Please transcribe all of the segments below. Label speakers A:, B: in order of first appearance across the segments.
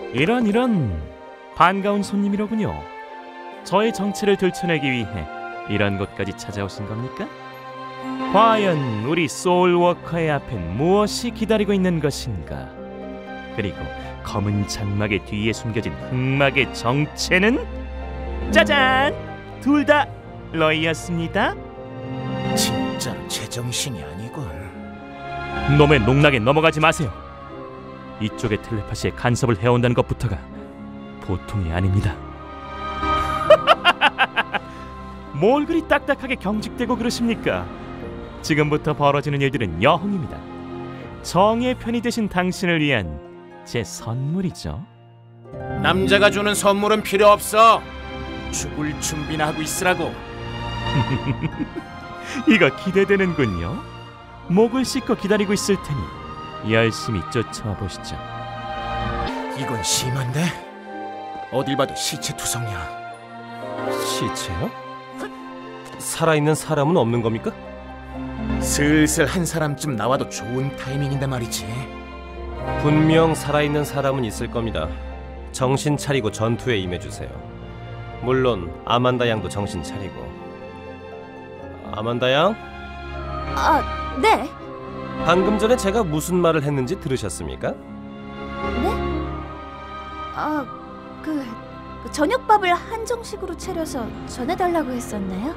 A: 이런 반가운 손님이로군요. 저의 정체를 들춰내기 위해 이런 곳까지 찾아오신 겁니까? 과연 우리 소울워커의 앞엔 무엇이 기다리고 있는 것인가? 그리고 검은 장막의 뒤에 숨겨진 흑막의 정체는 짜잔! 둘 다 러이였습니다.
B: 진짜로 제정신이 아니군.
A: 놈의 농락에 넘어가지 마세요. 이쪽의 텔레파시에 간섭을 해온다는 것부터가 보통이 아닙니다. 뭘 그리 딱딱하게 경직되고 그러십니까? 지금부터 벌어지는 일들은 여흥입니다. 정의 편이 되신 당신을 위한 제 선물이죠.
B: 남자가 주는 선물은 필요 없어. 죽을 준비나 하고 있으라고.
A: 이거 기대되는군요. 목을 씻고 기다리고 있을 테니 열심히 쫓아보시죠.
B: 이건 심한데? 어딜 봐도 시체 투성이야.
C: 시체요? 살아있는 사람은 없는 겁니까?
B: 슬슬 한 사람쯤 나와도 좋은 타이밍인데 말이지.
C: 분명 살아있는 사람은 있을 겁니다. 정신 차리고 전투에 임해주세요. 물론 아만다 양도 정신 차리고. 아만다 양?
D: 아, 네.
C: 방금 전에 제가 무슨 말을 했는지 들으셨습니까?
D: 네? 저녁밥을 한정식으로 차려서 전해달라고 했었나요?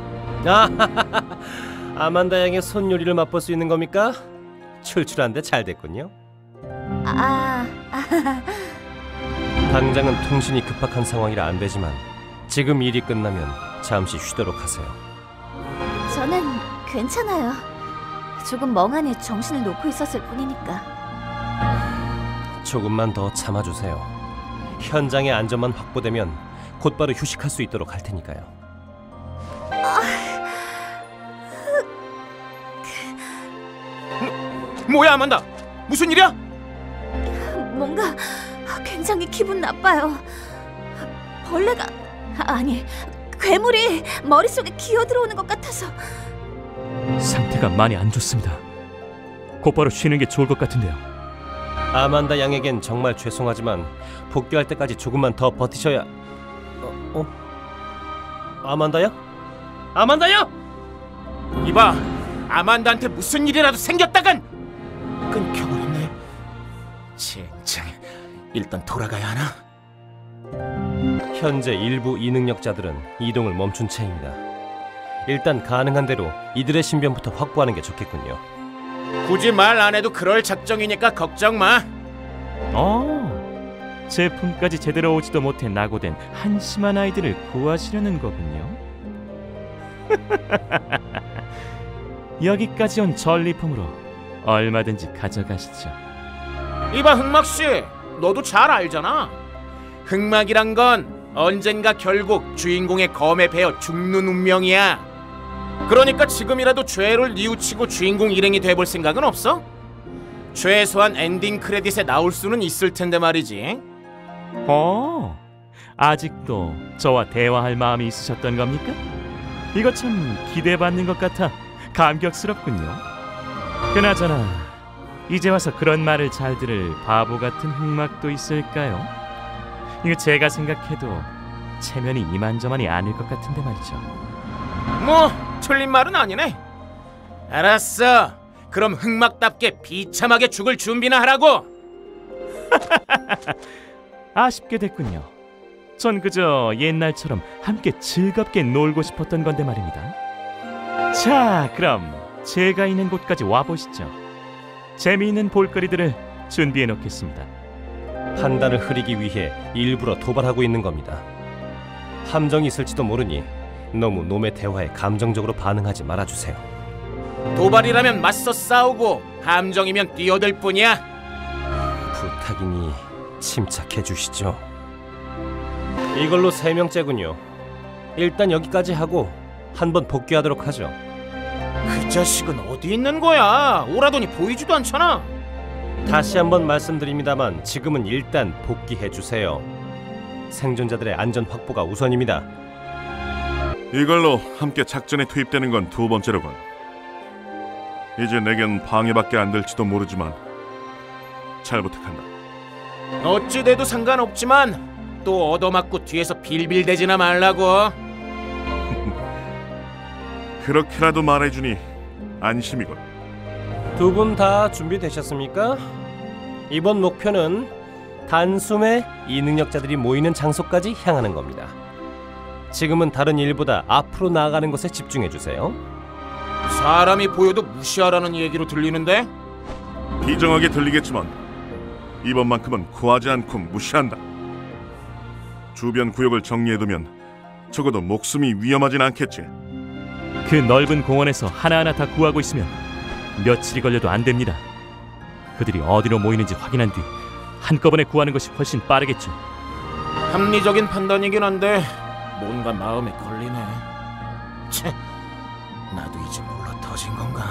C: 아만다 양의 손 요리를 맛볼 수 있는 겁니까? 출출한데 잘 됐군요. 당장은 통신이 급박한 상황이라 안 되지만 지금 일이 끝나면 잠시 쉬도록 하세요.
D: 저는 괜찮아요. 조금 멍하니 정신을 놓고 있었을 뿐이니까.
C: 조금만 더 참아주세요. 현장의 안전만 확보되면 곧바로 휴식할 수 있도록 할 테니까요.
B: 뭐야 아만다? 무슨 일이야?
D: 뭔가 굉장히 기분 나빠요. 벌레가 아니 괴물이 머릿속에 기어들어오는 것 같아서.
A: 상태가 많이 안 좋습니다. 곧바로 쉬는 게 좋을 것 같은데요.
C: 아만다 양에겐 정말 죄송하지만 복귀할 때까지 조금만 더 버티셔야. 아만다 양? 아만다 양!
B: 이봐, 아만다한테 무슨 일이라도 생겼다간 끊겨버렸네. 젠장, 일단 돌아가야 하나?
C: 현재 일부 이능력자들은 이동을 멈춘 채입니다. 일단 가능한 대로 이들의 신변부터 확보하는 게 좋겠군요.
B: 굳이 말 안 해도 그럴 작정이니까 걱정 마.
A: 제품까지 제대로 오지도 못해 낙오된 한심한 아이들을 구하시려는 거군요. 여기까지 온 전리품으로 얼마든지 가져가시죠.
B: 이봐 흑막씨, 너도 잘 알잖아. 흑막이란 건 언젠가 결국 주인공의 검에 베어 죽는 운명이야. 그러니까 지금이라도 죄를 뉘우치고 주인공 일행이 돼볼 생각은 없어? 최소한 엔딩 크레딧에 나올 수는 있을 텐데 말이지.
A: 아직도 저와 대화할 마음이 있으셨던 겁니까? 이거 참 기대받는 것 같아 감격스럽군요. 그나저나 이제 와서 그런 말을 잘 들을 바보 같은 흑막도 있을까요? 이거 제가 생각해도 체면이 이만저만이 아닐 것 같은데 말이죠.
B: 뭐 틀린 말은 아니네. 알았어. 그럼 흑막답게 비참하게 죽을 준비나 하라고.
A: 아쉽게 됐군요. 전 그저 옛날처럼 함께 즐겁게 놀고 싶었던 건데 말입니다. 자, 그럼 제가 있는 곳까지 와보시죠. 재미있는 볼거리들을 준비해 놓겠습니다.
C: 판단을 흐리기 위해 일부러 도발하고 있는 겁니다. 함정이 있을지도 모르니 너무 놈의 대화에 감정적으로 반응하지 말아주세요.
B: 도발이라면 맞서 싸우고 함정이면 뛰어들 뿐이야.
C: 부탁이니 침착해 주시죠. 이걸로 3명째군요. 일단 여기까지 하고 한번 복귀하도록 하죠.
B: 그 자식은 어디 있는 거야? 오라더니 보이지도 않잖아.
C: 다시 한번 말씀드립니다만 지금은 일단 복귀해 주세요. 생존자들의 안전 확보가 우선입니다.
E: 이걸로 함께 작전에 투입되는 건 2번째로군. 이제 내겐 방해밖에 안 될지도 모르지만 잘 부탁한다.
B: 어찌 돼도 상관없지만 또 얻어맞고 뒤에서 빌빌대지나 말라고.
E: 그렇게라도 말해주니 안심이군.
C: 두 분 다 준비되셨습니까? 이번 목표는 단숨에 이 능력자들이 모이는 장소까지 향하는 겁니다. 지금은 다른 일보다 앞으로 나아가는 것에 집중해 주세요.
B: 사람이 보여도 무시하라는 얘기로 들리는데?
E: 비정하게 들리겠지만 이번만큼은 구하지 않고 무시한다. 주변 구역을 정리해두면 적어도 목숨이 위험하진 않겠지.
A: 그 넓은 공원에서 하나하나 다 구하고 있으면 며칠이 걸려도 안 됩니다. 그들이 어디로 모이는지 확인한 뒤 한꺼번에 구하는 것이 훨씬 빠르겠죠.
B: 합리적인 판단이긴 한데 뭔가 마음에 걸리네. 채, 나도 이제 물러 터진 건가?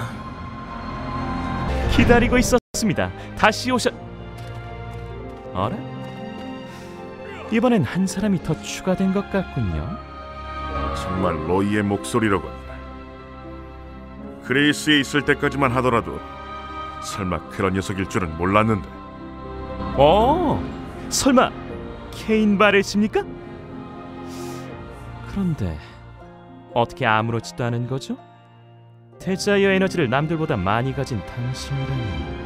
A: 기다리고 있었습니다. 다시 오셨... 어라? 이번엔 한 사람이 더 추가된 것 같군요.
E: 정말 로이의 목소리로군. 그레이스에 있을 때까지만 하더라도 설마 그런 녀석일 줄은 몰랐는데.
A: 설마 케인 바레십니까? 그런데 어떻게 아무렇지도 않은 거죠? 데자이어 에너지를 남들보다 많이 가진 당신이라니.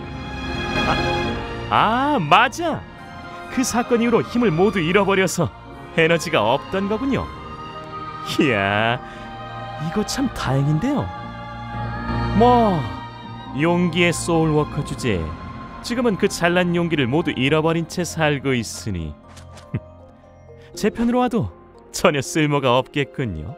A: 맞아! 그 사건 이후로 힘을 모두 잃어버려서 에너지가 없던 거군요. 이야, 이거 참 다행인데요. 뭐, 용기의 소울워커 주제에 지금은 그 잘난 용기를 모두 잃어버린 채 살고 있으니 제 편으로 와도 전혀 쓸모가 없겠군요.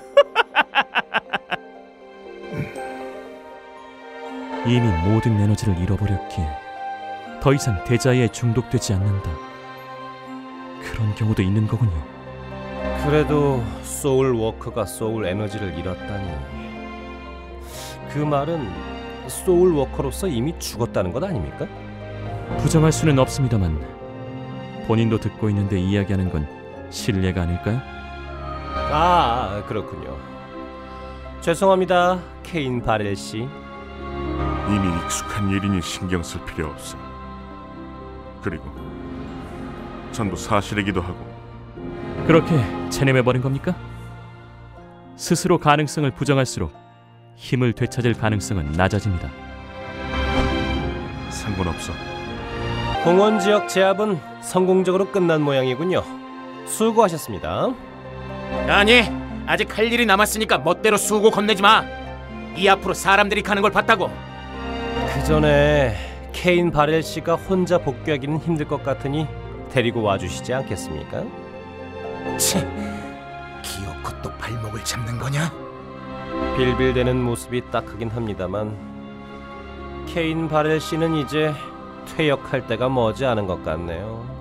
A: 이미 모든 에너지를 잃어버렸기에 더 이상 데자이에 중독되지 않는다. 그런 경우도 있는 거군요.
C: 그래도 소울 워커가 소울 에너지를 잃었다니. 그 말은 소울 워커로서 이미 죽었다는 것 아닙니까?
A: 부정할 수는 없습니다만 본인도 듣고 있는데 이야기하는 건 실례가 아닐까요?
C: 그렇군요. 죄송합니다, 케인 바렐 씨.
E: 이미 익숙한 일이니 신경 쓸 필요 없어. 그리고 전부 사실이기도 하고.
A: 그렇게 체념해버린 겁니까? 스스로 가능성을 부정할수록 힘을 되찾을 가능성은 낮아집니다.
E: 상관없어.
C: 공원 지역 제압은 성공적으로 끝난 모양이군요. 수고하셨습니다.
B: 아니, 아직 할 일이 남았으니까 멋대로 수고 건네지 마. 이 앞으로 사람들이 가는 걸 봤다고.
C: 그 전에 케인 바렐 씨가 혼자 복귀하기는 힘들 것 같으니 데리고 와주시지 않겠습니까?
B: 치, 기어코 또 발목을 잡는 거냐?
C: 빌빌대는 모습이 딱하긴 합니다만 케인 바렐 씨는 이제 퇴역할 때가 머지않은 것 같네요.